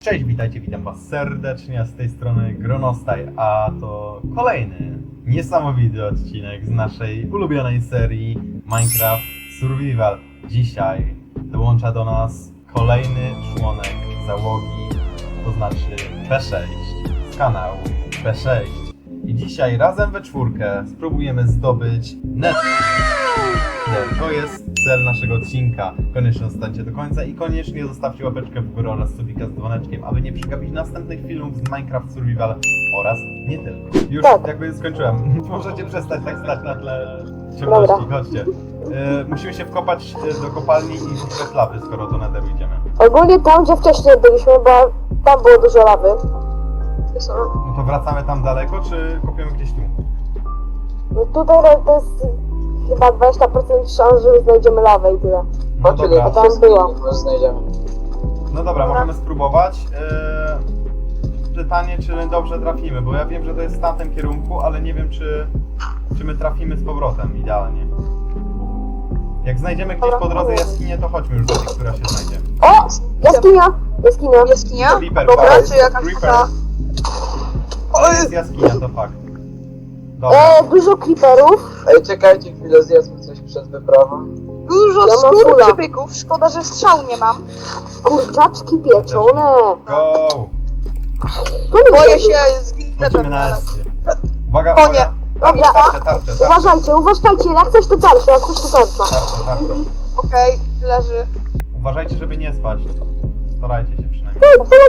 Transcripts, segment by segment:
Cześć, witam was serdecznie, z tej strony Gronostaj, a to kolejny niesamowity odcinek z naszej ulubionej serii Minecraft Survival. Dzisiaj dołącza do nas kolejny członek załogi, to znaczy B6 z kanału B6. I dzisiaj razem we czwórkę spróbujemy zdobyć Nether. To jest cel naszego odcinka. Koniecznie zostańcie do końca i koniecznie zostawcie łapeczkę w górę oraz subika z dzwoneczkiem, aby nie przegapić następnych filmów z Minecraft Survival oraz nie tylko. Już jakby skończyłem. Możecie przestać tak stać na tle ciemności. Chodźcie. Musimy się wkopać do kopalni i szukać lawy, skoro do Netheru idziemy. Ogólnie tam, gdzie wcześniej byliśmy, bo tam było dużo lawy. No to wracamy tam daleko, czy kopiemy gdzieś tu? No tutaj to jest chyba 20% szans, że znajdziemy lawę i tyle. No dobra. A tam była. Znajdziemy. No dobra, możemy spróbować. Pytanie, czy dobrze trafimy, bo ja wiem, że to jest w tamtym kierunku, ale nie wiem, czy my trafimy z powrotem idealnie. Jak znajdziemy gdzieś po drodze jaskinię, to chodźmy już do tej, która się znajdzie. O! Jaskinia! Jaskinia! Jaskinia? Creeper, Dobra, fakt. czy jakaś Creeper. taka... To jest jaskinia, to fakt. Dobra. Dużo creeperów. Ej, czekajcie chwilę, zjedzmy coś przed wyprawą. Dużo Ja mam skór fula. przybyków, szkoda, że strzału nie mam. Kurczaczki pieczone. Go! Boję się, zginę Lecimy tam na teraz. escie. Uwaga, Konie. uwaga. Dobra, Tarcze. Uważajcie, jak coś to tarcza, jak coś to tarcza. Tarcze. Okej, leży. Uważajcie, żeby nie spaść. Starajcie się przynajmniej.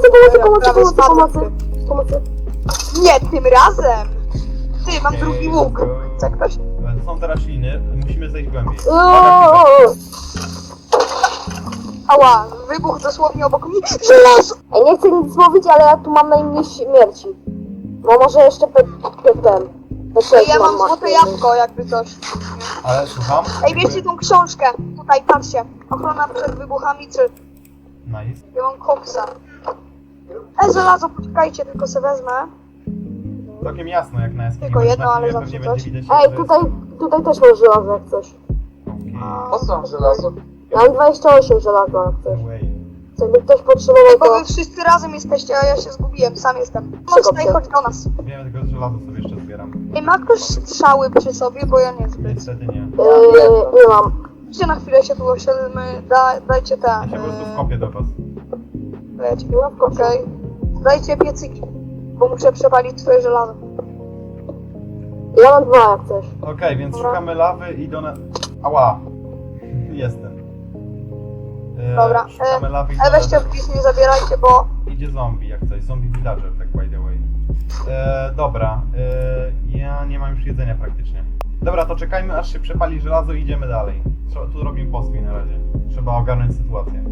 Pomocy. Nie, tym razem! Ty, mam drugi łuk. Go. Chce ktoś? To są te rośliny, musimy zejść głębiej. Ała, wybuch dosłownie obok mnie. Żelazo! Ej, nie chcę nic mówić, ale ja tu mam najmniej śmierci. No może jeszcze Ej, ja mam złote jabłko, jakby coś. Ale słucham? Ej, bierzcie tą książkę. Tutaj, patrzcie. Ochrona przed wybuchami 3. Nice. Ja mam koksa. Żelazo, poczekajcie, tylko se wezmę. Całkiem jasno jak na jaskini. Tylko bo jedno, na ale filmie zawsze pewnie coś. będzie widać, Ej, że to tutaj też masz żelazo jak coś. jest... Po co żelazo? Mam 28 żelaza jak coś. Okej. Co by ktoś potrzebował, Ej, bo to... wy wszyscy razem jesteście, a ja się zgubiłem, sam jestem. Czego Mocno i ty? chodź do nas. Wiemy, tylko żelazo sobie jeszcze zbieram. Ej, ma ktoś strzały przy sobie, bo ja niezbyt. Niestety nie. Nie mam. Gdzie na chwilę się tu osiedlmy, dajcie te... Ja się po prostu wkopię do was. Dajcie, Nie mam w końcu. okej. Dajcie piecyki, bo muszę przepalić swoje żelazo. Ja mam 2 jak coś. Okej, więc Dobra. szukamy lawy i Ała! Jestem. Dobra, Szukamy lawy i Ale weźcie please, nie zabierajcie, bo... Idzie zombie jak coś. Zombie villager, tak by the way. Dobra. Ja nie mam już jedzenia praktycznie. Dobra, to czekajmy aż się przepali żelazo i idziemy dalej. Tu robimy postój na razie. Trzeba ogarnąć sytuację.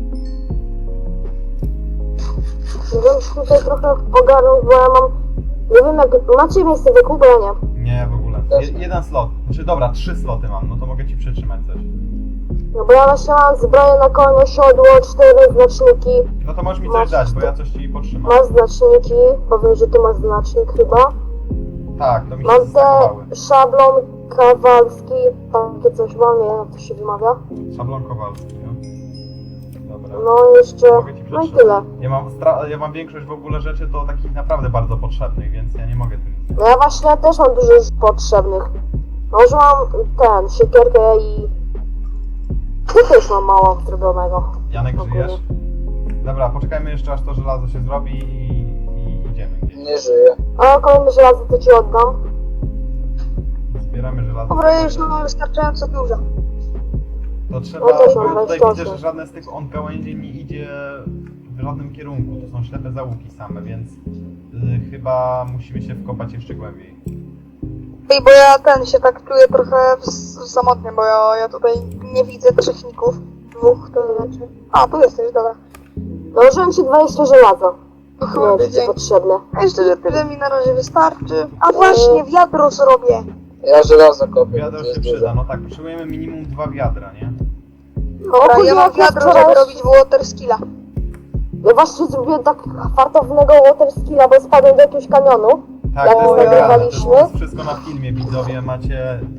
Żebym tutaj trochę ogarnął, bo ja mam... Nie wiem jak... Macie miejsce wokół, bo ja nie. Nie, w ogóle. Jeden slot. Znaczy dobra, 3 sloty mam, no to mogę ci przytrzymać coś. No bo ja właśnie mam zbroję na konie, siodło, 4 znaczniki. No to możesz mi coś dać, bo ja coś ci podtrzymam. Masz znaczniki, bo wiem, że ty masz znacznik chyba. Tak, to mi się Mam zastakowały. te szablon kawalski, takie coś mam, nie wiem jak to się wymawia. Szablon Kowalski, no. Dobra. No i jeszcze... Mogę ci No i przetrzymać. tyle. Ja mam większość w ogóle rzeczy to takich naprawdę bardzo potrzebnych, więc ja nie mogę tym. No ja właśnie też mam dużo rzeczy potrzebnych. Może mam siekierkę i... Tu też mam mało zrobionego. Janek, Ogólnie. żyjesz? Dobra, poczekajmy jeszcze aż to żelazo się zrobi i idziemy gdzieś. Nie żyję. A kolejne żelazo to ci oddam. Zbieramy żelazo. Dobra, ja już mam wystarczająco dużo. To trzeba, Ja też mam bo tutaj 28. widzę, że żadne z tych gałęzi nie idzie w żadnym kierunku. To są ślepe zaułki same, więc chyba musimy się wkopać jeszcze głębiej. Ej, bo ja się tak czuję trochę samotnie, bo ja tutaj nie widzę trzechników. 2 to znaczy. A, tu jesteś, dobra. Dołożyłem ci 20 żelaza. Nie Kurde, wiem, czy ci dzięki. potrzebne. A jeszcze tyle mi na razie wystarczy. A właśnie, wiadro zrobię. Ja żelazo kopię. Wiadro się przyda, no tak, potrzebujemy minimum 2 wiadra, nie? Dobra, ogólnie ja mam jak wiadro, wczoraj- żeby robić water skilla. Ja właśnie zrobiłem tak fartownego water skilla, bo spadłem do jakiegoś kanionu. Tak, Jak to jest nagrane, to nagrywaliśmy? jest wszystko na filmie, widzowie, macie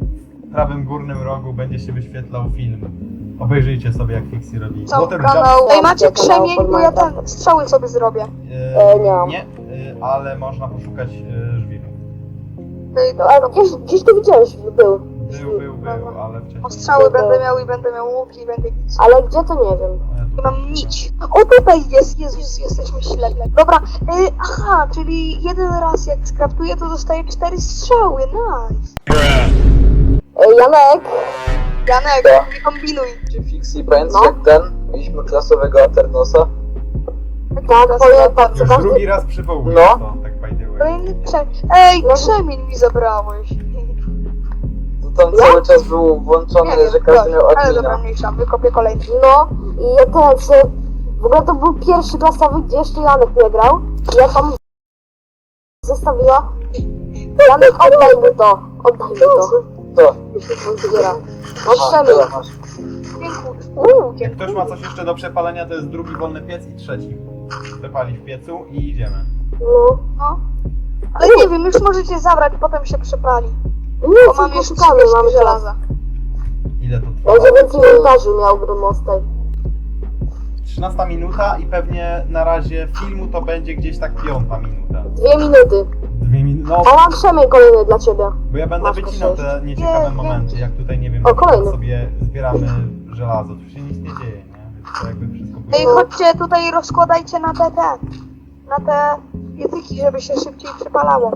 prawym górnym rogu będzie się wyświetlał film. Obejrzyjcie sobie, jak Fixie robi. Cały Water kanał. Jump. Ej, macie Kanał krzemień, bo ja ten strzały sobie zrobię. Nie mam. Nie, ale można poszukać żwiru. Ej, A gdzieś to widziałeś, był. Był, ale wcześniej. O strzały będę miał i będę miał łuki i będę nic. Ale gdzie to nie wiem. Nie mam nić. O, tutaj jest, Jezus, jesteśmy ślepi. Dobra, aha, czyli jeden raz jak skraftuję, to dostaję 4 strzały, nice. Janek, Janek, Co? nie kombinuj. Czy Fixie, pamiętasz No. jak ten? Mieliśmy klasowego Aternosa? tak, pamiętam, co Już każdy... drugi raz przywołuję No. to, tak by the way. Kolejny krzemień. Ej, krzemień mi zabrałeś. To tam cały czas był włączony, że każdy miał ale dobra, admina. mniejsza, wykopię kolejny. No, i ja teraz... W ogóle to był pierwszy klasowy, gdzie jeszcze Janek nie grał. I ja tam... Zostawiła... Janek, oddaj mu to. Oddaj mu to. To. Zbiera. No A, krzemień. tyle masz. Dziękuję. Jak Dziękuję. ktoś ma coś jeszcze do przepalenia, to jest drugi wolny piec i trzeci. Przepali w piecu i idziemy. No. No. Ale nie wiem, już możecie zabrać, potem się przepali. Nie, Bo co mam jeszcze poszukamy, 30 mamy żelaza. żelaza. Ile to trwa? Będzie więcej montażu miał Gromostaj. 13 minuta i pewnie na razie filmu to będzie gdzieś tak 5 minuta. 2 minuty. 2 minuty. No, A mam krzemień kolejny dla ciebie. bo ja będę Masz wycinał to te nieciekawe Nie, momenty, jak tutaj, nie wiem, O, kolejny. sobie zbieramy żelazo. Tu się nic nie dzieje, nie? Więc to jakby wszystko Ej, było... chodźcie tutaj, rozkładajcie na te piecyki, żeby się szybciej przepalało.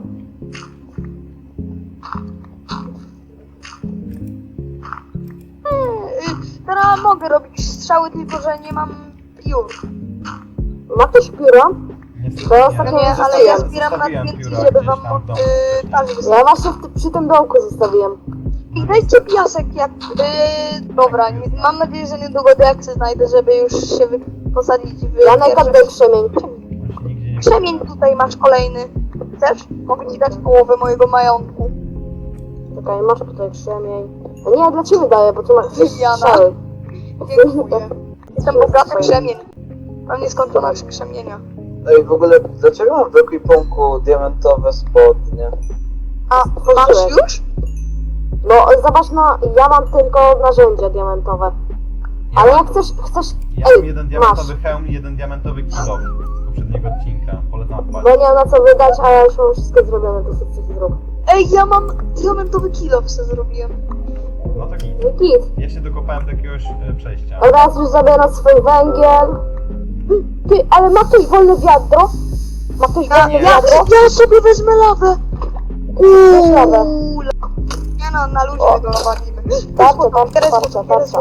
Teraz mogę robić strzały, tylko że nie mam piór. Ma ktoś pióra? Niestety to ja nie. ostatnio No nie, zostawiam- ale ja zbieram na zostawiłem TNT, pióra żeby gdzieś wam tam w domu. talerz Ja wystawić. właśnie przy tym dołku zostawiłem. I dajcie piasek jak... dobra, mam nadzieję, że niedługo deaksy znajdę, żeby już się posadzić w... Janek, pierwsze- oddaj krzemień. On się nigdzie nie Krzemień tutaj masz kolejny. Chcesz? Mogę ci dać połowę mojego majątku. Czekaj, masz tutaj krzemień. A nie, ja dla ciebie daję, bo tu masz Jana. strzały. Dziękuję. Jestem bogaty krzemień. Mam nieskończoność krzemienia. Ej, w ogóle, dlaczego mam w ekwipunku diamentowe spodnie? A masz już? No, zobacz na... Ja mam tylko narzędzia diamentowe. Ale jak chcesz... Ja mam Ej, jeden masz. diamentowy hełm i jeden diamentowy kilof z poprzedniego odcinka. Polecam Bo wpaść. nie mam na co wydać, a ja już mam wszystko zrobione, to sobie coś zrób. Ej, ja mam diamentowy kilof se zrobiłem. No to git. No git. Ja się dokopałem do jakiegoś przejścia. A teraz już zabiera swój węgiel. Ty, ale ma ktoś wolne wiadro? Ma ktoś wolne Nie. wiadro? Ja sobie wezmę lawę. Weź lawę. Nie no, na luzie tego walimy. Patrzę.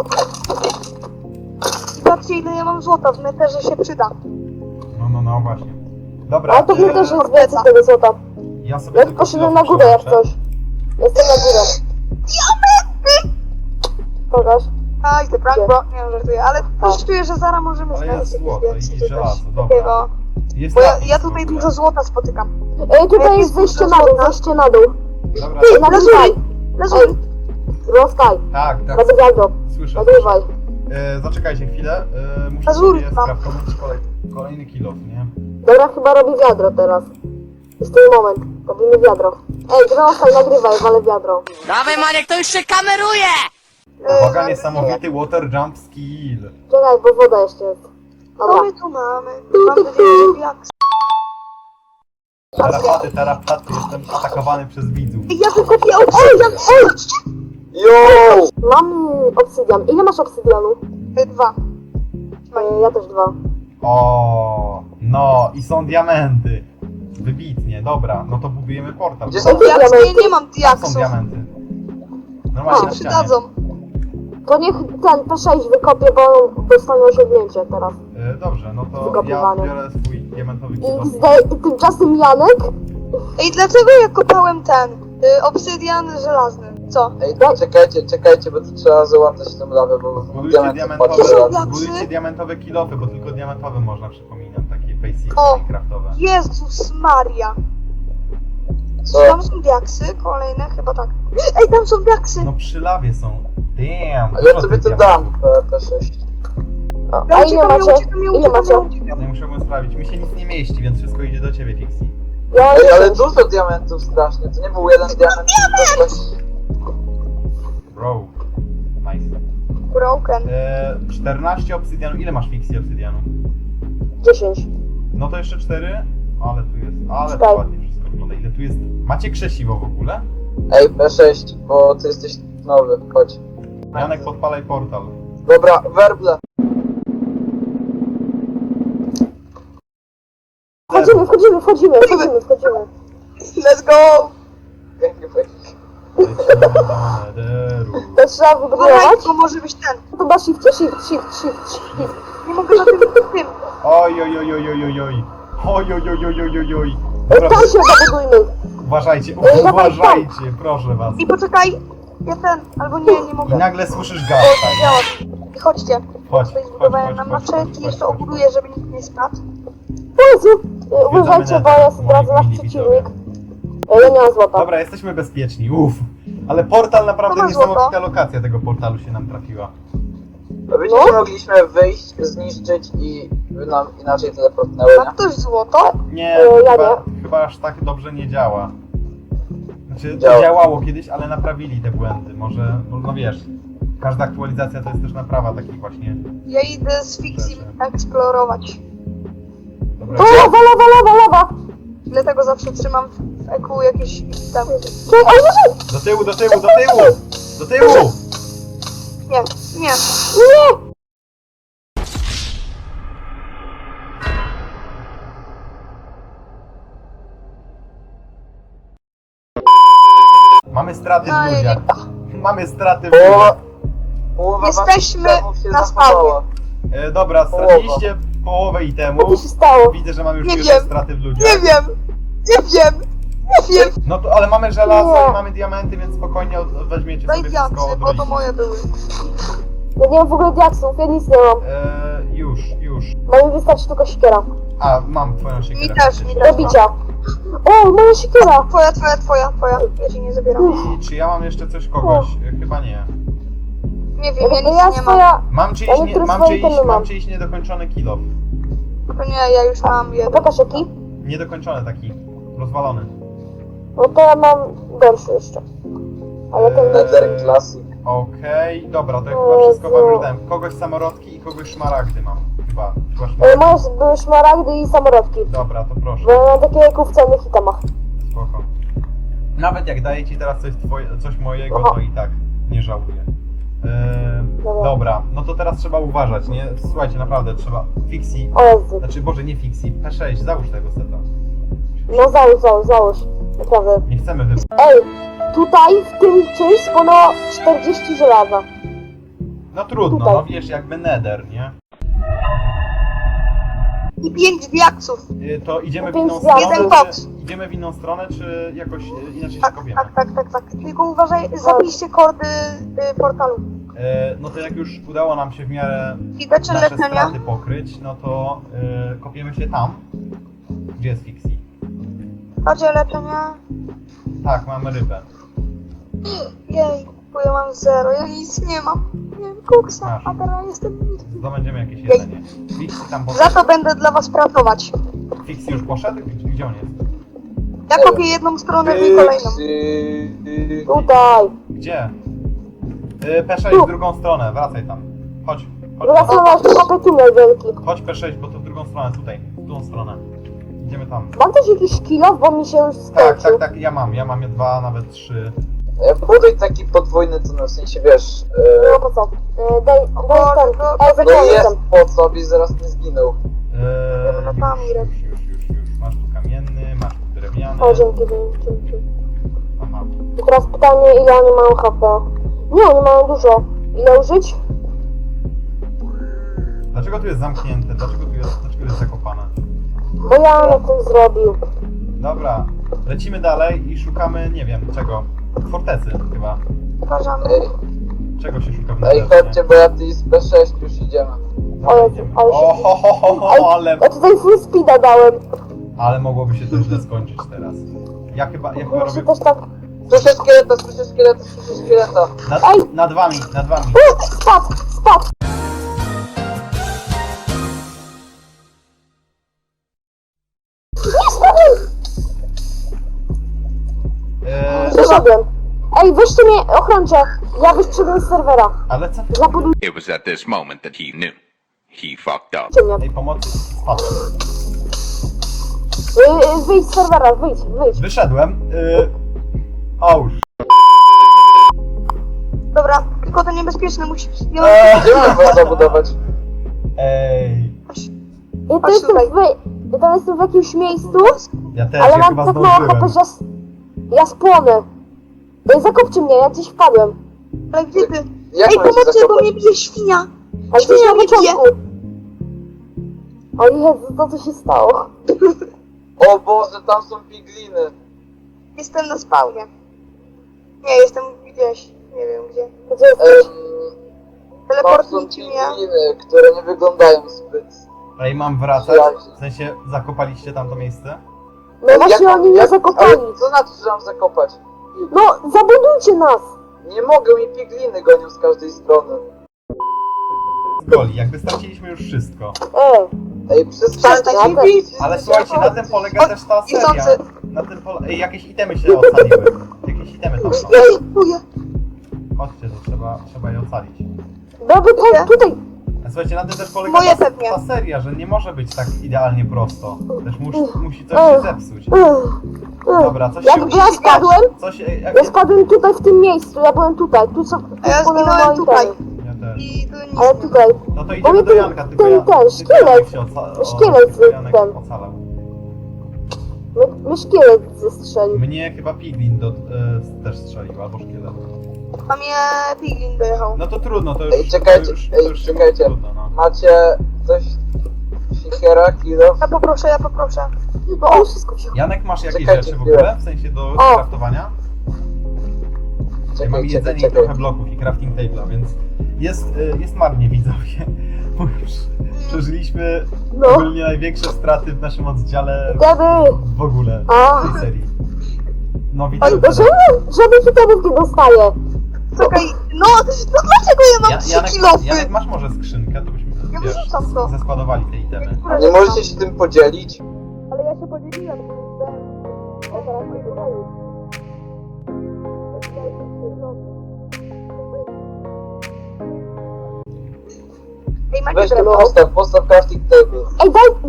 I patrzcie ile ja mam złota, w neterze się przyda. No, właśnie. Dobra, Ale to mnie też jest więcej tego złota. ja sobie Ja tylko poszedłem kilof na górę jak przełączę. coś. Jestem na górę. Pokaż. Aj, ty prank, bro. Nie wiem, żartuję, ale coś czuję, że zaraz możemy Ale znaleźć jest jakieś złoto więcej i czy żelazo, coś dobra. takiego. Jest Bo napis ja w tutaj ogóle. dużo złota spotykam. Ej, tutaj jest zejście na dół, zejście na dół. Dobra, Ty, tak, nagrywaj. Lazury. Rozstaj. tak, Robię wiadro. słyszę. Nagrywaj. Zaczekajcie chwilę, muszę Lazury sobie mam. skraftować kolejny kilof, nie? Dobra, chyba robi wiadro teraz. Jest ten moment. Robimy wiadro. Ej, rozstaj, nagrywaj, walę wiadro. Dawaj Maniek, to już się kameruje! Uwaga, niesamowity water jump skill. Czekaj, bo woda jeszcze jest. Co Dobra. my tu mamy? Mam nadzieję, że jak... Tarapaty, jestem atakowany przez widzów. Ja wykopię obsydian! Ej! Yo! Mam obsydian. Ile masz obsydianu? 2. Ja też 2. O, no i są diamenty. Wybitnie, dobra, no to budujemy portal. Gdzie Tam są Diaksy, ja nie mam są diaksów. diamenty. A, Normalnie Się na ścianie. przydadzą. To niech ten P6 wykopie, bo on dostanie osiągnięcie teraz. Dobrze, no to ja Wykopywanie. biorę swój diamentowy kilof. I tymczasem Janek? Ej, dlaczego ja kopałem ten? Obsydian żelazny. Co? Ej, czekajcie, bo tu trzeba załatać tę lawę, bo Budujcie diament diamentowe, padł raz. diaksy? budujcie diamentowe kilofy, bo tylko diamentowe można, przypominam, takie basic O. minecraftowe. Jezus Maria. Co? Tam są diaksy, kolejne chyba tak. Ej, tam są diaksy! No przy lawie są. Damn, A dużo ja sobie tych to dam, diamentów. P6. A ile macie? Ile macie? Nie musimy sprawdzić, mi się nic nie mieści, więc wszystko idzie do ciebie, Fixie. Ja Ej, ale mam dużo diamentów strasznie, to nie był jeden diament, tylko coś... Bro. Nice. Broken. 14 obsydianu. Ile masz fixie obsydianu? 10. No to jeszcze 4. Ale tu jest. Ale to Czekaj. ładnie wszystko wygląda. Ile tu jest? Macie krzesiwo w ogóle? Ej, P6, bo ty jesteś nowy, chodź. Janek, podpalaj portal. Dobra, werble. Wchodzimy. Let's go! Lecimy do Nederu. To trzeba Uważaj, wybudować? to może być ten. To chyba shift. Nie mogę na tym. Oj, oj, oj, oj, oj, oj, oj. Oj, oj, oj, oj, oj, oj, oj. Dobra, Tam się zabudujmy. uważajcie, dawaj, uważajcie, proszę was. I poczekaj. Ja ten, albo nie I mogę. nagle słyszysz O, gaz, to działa. I chodźcie. Chodź, Tutaj chodź, zbudowałem chodź, nam chodź, na chodź, wszelki, chodź, jeszcze chodź. obuduję, żeby nikt nie spadł. O Jezu! Uważajcie, bo ja zdradzę nasz mili przeciwnik. Ja nie mam złota. Dobra, jesteśmy bezpieczni, uff. Ale portal naprawdę Dobra, niesamowita złoto. lokacja tego portalu się nam trafiła. No wiecie, że mogliśmy wyjść, zniszczyć i by nam inaczej teleportnęły, Ma nie? ktoś złoto? Nie, ja chyba aż tak dobrze nie działa. Znaczy, to Działa. działało kiedyś, ale naprawili te błędy. Może, no wiesz, każda aktualizacja to jest też naprawa takich właśnie. Ja idę z Fixim eksplorować. Dobra, O, lawa! Dlatego zawsze trzymam w EQ jakieś tam. Czekaj, oj, do tyłu, do tyłu, do tyłu! Do tyłu! Nie, nie. nie! Mamy straty No w i ludziach. Mamy straty w Połowa, ludziach. połowa Jesteśmy waszych itemów się na zachowała. Dobra, straciliście połowę Co itemów. tu się stało? Widzę, że mamy już Nie pierwsze wiem. straty w ludziach. Nie wiem. No to, ale mamy żelazo Nie. i mamy diamenty, więc spokojnie weźmiecie Daj sobie wszystko diaksy, od bo to rodziny. moje były. Ja nie mam w ogóle diaksów, ja nic nie mam. Już. Bo mi wystarczy tylko siekiera. A, mam twoją siekierę. Mi też, faktycznie. mi też. Do bicia. O, moja siekiera! Twoja. Ja ci nie zabieram. I czy ja mam jeszcze coś kogoś? Chyba nie. Nie wiem, ja To nic ja nie mam. swoja... Mam czyjś, Ja niektóre swoje itemy mam mam. czyjś niedokończony kill-off. To nie, ja już mam jeden. Pokaż jaki? Niedokończony taki. Rozwalony. No to ja mam gorszy jeszcze. Ale ten... Nether Classic. Okej, dobra, to ja O chyba wszystko Jezu. wam już dałem. Kogoś samorodki i kogoś szmaragdy mam. Chyba szmaragdy. Moje były szmaragdy i samorodki. Dobra, to proszę. Bo ja mam takie jak w cennych itemach. Spoko. Nawet jak daję ci teraz coś mojego, Aha. to i tak nie żałuję. Dobra. Dobra, no to teraz trzeba uważać, nie? Słuchajcie, naprawdę trzeba. Fixie, O Jezu. znaczy Boże, nie Fixie, P6, załóż tego seta. No załóż. Naprawdę. Nie chcemy wy... Ej, tutaj w tym czymś spłonęło 40 żelaza. No trudno, Tutaj. no wiesz, jakby Nether, nie? I 5 diaksów. To idziemy w Pięć inną diamentów. stronę, Jeden koks. czy, idziemy w inną stronę, czy jakoś inaczej się Tak, kopiemy? tak. Tylko uważaj, zapiszcie kordy portalu. No to jak już udało nam się w miarę I dacie nasze leczenia. straty pokryć, no to kopiemy się tam, gdzie jest Fixie. Dacie leczenia. Tak, mamy rybę. Jej, bo ja mam 0, ja nic nie mam. Nie wiem, koksa, Masz. a teraz jestem nic. Zdobędziemy jakieś jedzenie. Fixie tam Za poszedł. to będę dla was pracować. Fixie już poszedł? Gdzie on jest? Ja kopię jedną stronę i kolejną. Tutaj. Gdzie? P6 w drugą stronę, wracaj tam. Chodź, Druga strona jeszcze kopie tunel wielki. chodź P6, bo to w drugą stronę, tutaj, w tą stronę. Idziemy tam. Mam też jakiś kilo, bo mi się już skończył. Tak, ja mam je 2, nawet 3. Buduj taki podwójny tunel, w sensie wiesz... No po co? Daj ten. Ej, No zacząłem jest ten. po co, byś zaraz nie zginął. no tam idę. Już. Masz tu kamienny, masz tu drewniany. O, dzięki. Aha. I teraz pytanie, ile oni mają HP? Nie, oni mają dużo. Ile użyć? Dlaczego tu jest zamknięte? Dlaczego tu jest zakopane? Bo ja na tym zrobił. Dobra, lecimy dalej i szukamy, nie wiem, czego. Fortecy chyba. Uważamy. Ej, Czego się szuka w ej Netherze, chodźcie, bo ja ty z P6 już idziemy. Dobra, O Jezu, idziemy. ale się- Ale, Ja tutaj full speeda dałem. ale mogłoby się to źle skończyć teraz. Ja chyba Muszę robię... też tak... Słyszę szkieleta. Nad wami. Spadł! Nie spadłem! Eee, Przeszedłem. Ej, weźcie mnie, ochrońcie. Ja wyszedłem z serwera. Ale co? Zabudujcie It was at this moment that he knew. He fucked up. mnie. Ej, pomocy. Spadłem. Wyjdź z serwera, wyjdź. Wyszedłem. Ołóż. Dobra, tylko to niebezpieczne, musi... Gdzie mam was zabudować? Ej. Ja to Chodź jestem tutaj. ja tam jestem w jakimś miejscu, Ja też, ale ja mam chyba tak mało HP, zdążyłem. że ja spłonę. Ej, zakopcie mnie, ja gdzieś wpadłem. Ale gdzie ty? Jak Ej, mam się pomocy, bo zakopać? mnie bije świnia! Ale gdzieś Świnia na mnie bije! początku. O Jezu, co się stało? O Boże, tam są pigliny. Jestem na spawnie. Nie, jestem gdzieś, nie wiem gdzie. Gdzie jesteś? Tam są Teleportujcie mnie. pigliny, które nie wyglądają zbyt... Ej, mam wracać? W sensie, zakopaliście tam to miejsce? No właśnie oni mnie zakopali. Ale co znaczy, że mam zakopać? No, zabudujcie nas. Nie mogę, mi pigliny gonią z każdej strony. Goli, jakby straciliśmy już wszystko. Ej, przestańcie Przestań mi się bić! Ale słuchajcie, na tym polega też ta seria. Niechcący. Na tym Ej, jakieś itemy się ocaliły. Jakieś itemy tam są. Ej, buję. Chodźcie, to trzeba je ocalić. Dobra, tutaj. A słuchajcie, na tym też polega Moje ta pewnie. seria, że nie może być tak idealnie prosto. Też musi coś się zepsuć. Dobra, coś się Jak ja spadłem, Coś, ja spadłem tutaj w tym miejscu, ja byłem tutaj. Tu co A ja wpłynęły zginąłem moje tutaj. itemy. Ja też. I tu nic Ale nie ma. tutaj. No to Bo idziemy mnie do Janka, tylko ten szkielet. Janek się Szkielet tylko Janek ten. ocalał. Mnie szkielet zestrzelił. Mnie chyba Piglin też strzelił, albo szkielet. A mnie piglin dojechał. No to trudno, to już... Ej, czekajcie, to ej, już czekajcie. Trudno, no. Macie coś... Sikiera, kilo? Ja poproszę. No o, wszystko wziął. Janek, masz jakieś Czekajcie rzeczy w chwilę. ogóle? W sensie do O. craftowania? Ja mam Czekaj, jedzenie i czekaj. trochę bloków i crafting table'a, więc jest marnie, widzowie. Bo już przeżyliśmy No. ogólnie największe straty w naszym oddziale Gdyby. w ogóle A. w tej serii. No Oj, widzowie, żadnych itemów nie dostaję. Czekaj, no dlaczego ja mam 3 kilofy? Janek, masz może skrzynkę, to byśmy Ja wiesz, wyrzucam to. zeskładowali te itemy. A nie możecie się tym podzielić? Ale ja się podzieliłem. Ej, macie Weź to drewno? postaw crafting table. Ej,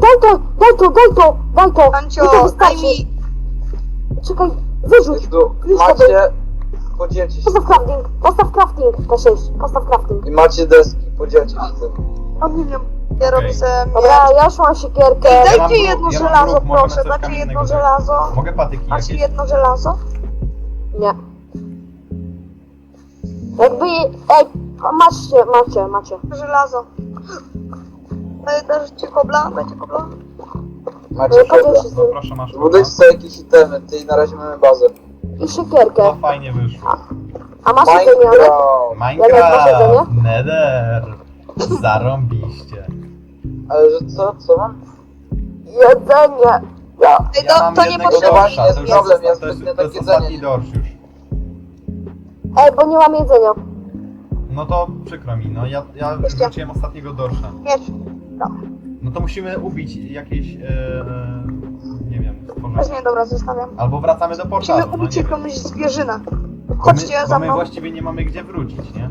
daj to. Ancio, Mi to daj wystarczy. mi... Czekaj, wyrzuć. Jest tu, Już macie... Podzielcie się. Postaw crafting, K6, postaw crafting. I macie deski, podzielcie się tym. O, nie wiem. Ja robię sobie Dobra, ja już mam siekierkę. Ej, Ja mam dajcie bruk, jedno ja mam żelazo, bruk, mogę na proszę, coś dajcie kamiennego jedno dać. żelazo. Mogę patyki Macie jakieś? jedno żelazo? Nie. Jakby... Ej, macie. Żelazo. Dajcie kobla? Dajcie kobla? Macie Podziel kobla. się z No nim. proszę, masz Zbudujcie sobie jakieś itemy, ty na razie mamy bazę. I siekierkę. To fajnie wyszło. A masz jedzenie, ale... Minecraft! masz jedzenie? Minecraft, Nether, zarąbiście. Ale że co mam? Jedzenie. Ja. Ej, Ja mam to nie jednego potrzeba. dorsza, to już Problem, jest, ja to jest, zbytnio to jest tak ostatni jedzenie. dorsz już. Ej, bo nie mam jedzenia. No to przykro mi, no ja wrzuciłem ostatniego dorsza. Miecz. No to musimy ubić jakieś, nie wiem, stworzenie. Weź mnie, dobra, zostawiam. Albo wracamy do portalu, Musimy no ubić nie wiem. jakąś zwierzynę. Bo Chodźcie my, za bo my mną. właściwie nie mamy gdzie wrócić, nie?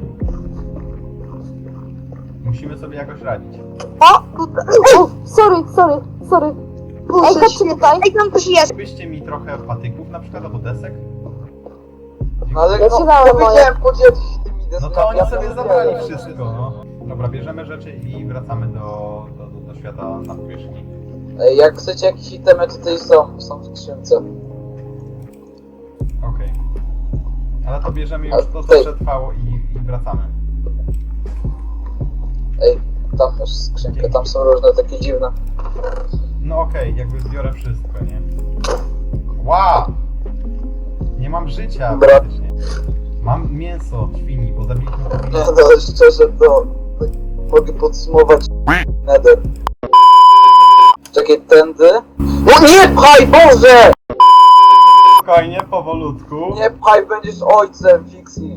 Musimy sobie jakoś radzić. O, tutaj. O, sorry. Boże, Ej, chodźcie świetnie. tutaj. Ej, tam coś jest. Byście mi trochę patyków na przykład, albo desek? No ale Ja ci dałem moje. powiedziałem, podzielcie się tymi deskami. No to oni ja sobie to zabrali wiem. wszystko, no. Dobra, bierzemy rzeczy i wracamy do świata na powierzchni. Ej, jak chcecie jakieś itemy, to tutaj są w skrzynce. Okej. Ale to bierzemy już to, co Tej. przetrwało i wracamy. Ej, tam masz skrzynkę, tam są różne takie dziwne. No okej, jakby zbiorę wszystko, nie? Wow! Nie mam życia Dobra. praktycznie. Mam mięso świni, bo zabiliśmy No powinien. to szczerze, to mogę podsumować Nether. Czekaj, tędy. No nie pchaj, Boże! Spokojnie, powolutku. Nie pchaj, będziesz ojcem, Fixi.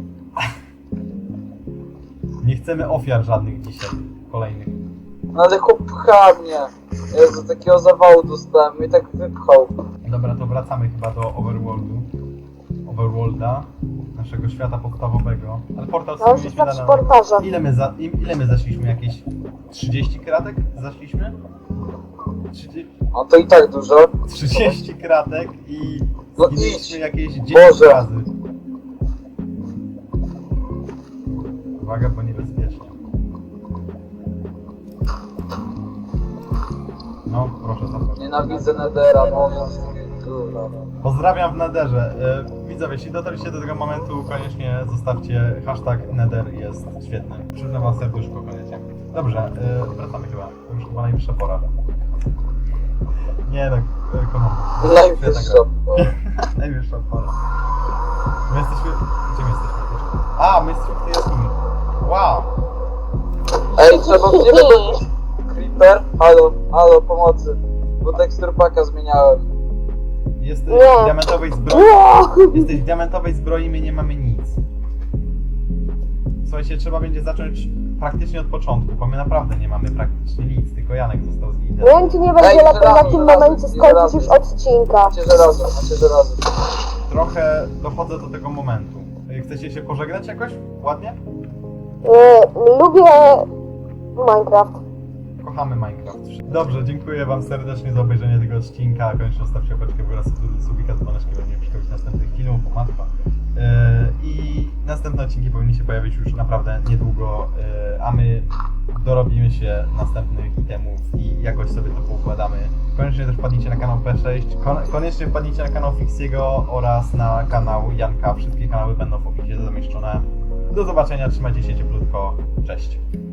Nie chcemy ofiar żadnych dzisiaj. Kolejnych. No ale chłop pcha mnie. Jezu, takiego zawału dostałem, mnie tak wypchał. Dobra, to wracamy chyba do Overworldu. Overworlda, naszego świata podstawowego. Ale portal Ja już mieliśmy jestem przy portarze. Ile my zaszliśmy? Jakieś 30 kratek zaszliśmy? No to i tak dużo. 30 kratek i No zginęliśmy idź. jakieś 10 Boże. razy. Uwaga, bo niebezpiecznie. No, proszę zapraszam. Nienawidzę Nedera, bo kurwa. Pozdrawiam w Nederze. Widzowie, jeśli dotarliście do tego momentu, koniecznie zostawcie hashtag Neder, jest świetny. Przyznam wam serduszko koniecznie. Dobrze, wracamy chyba. To już chyba najwyższa pora. Nie no, kocham. Najwyższa. Najwyższa pora. My jesteśmy... Gdzie my jesteśmy? A, my jesteśmy w tej jaskini. Wow! Ej, trzeba mnie wydobyć. Creeper? Halo, pomocy. Bo teksturpaka zmieniałem. Jesteś Nie. w diamentowej zbroi. Wow! Jesteś w diamentowej zbroi, my nie mamy nic. Słuchajcie, trzeba będzie zacząć praktycznie od początku, bo my naprawdę nie mamy praktycznie nic, tylko Janek został z lidem. Nie wiem, czy nie będzie Ej, lepiej na żelazo, tym żelazo, momencie skończyć już odcinka. Macie żelazo. Trochę dochodzę do tego momentu. Chcecie się pożegnać jakoś? Ładnie? Lubię Minecraft. Kochamy Minecraft. Dobrze, dziękuję wam serdecznie za obejrzenie tego odcinka. Koniecznie zostawcie łapeczkę w górę, subika z dzwoneczkiem, żeby nie przeszkodzić następnych filmów, o matko. I następne odcinki powinny się pojawić już naprawdę niedługo, a my dorobimy się następnych itemów i jakoś sobie to poukładamy. Koniecznie też wpadnijcie na kanał P6, koniecznie wpadnijcie na kanał Fixiego oraz na kanał Janka. Wszystkie kanały będą w opisie zamieszczone. Do zobaczenia, trzymajcie się cieplutko, cześć.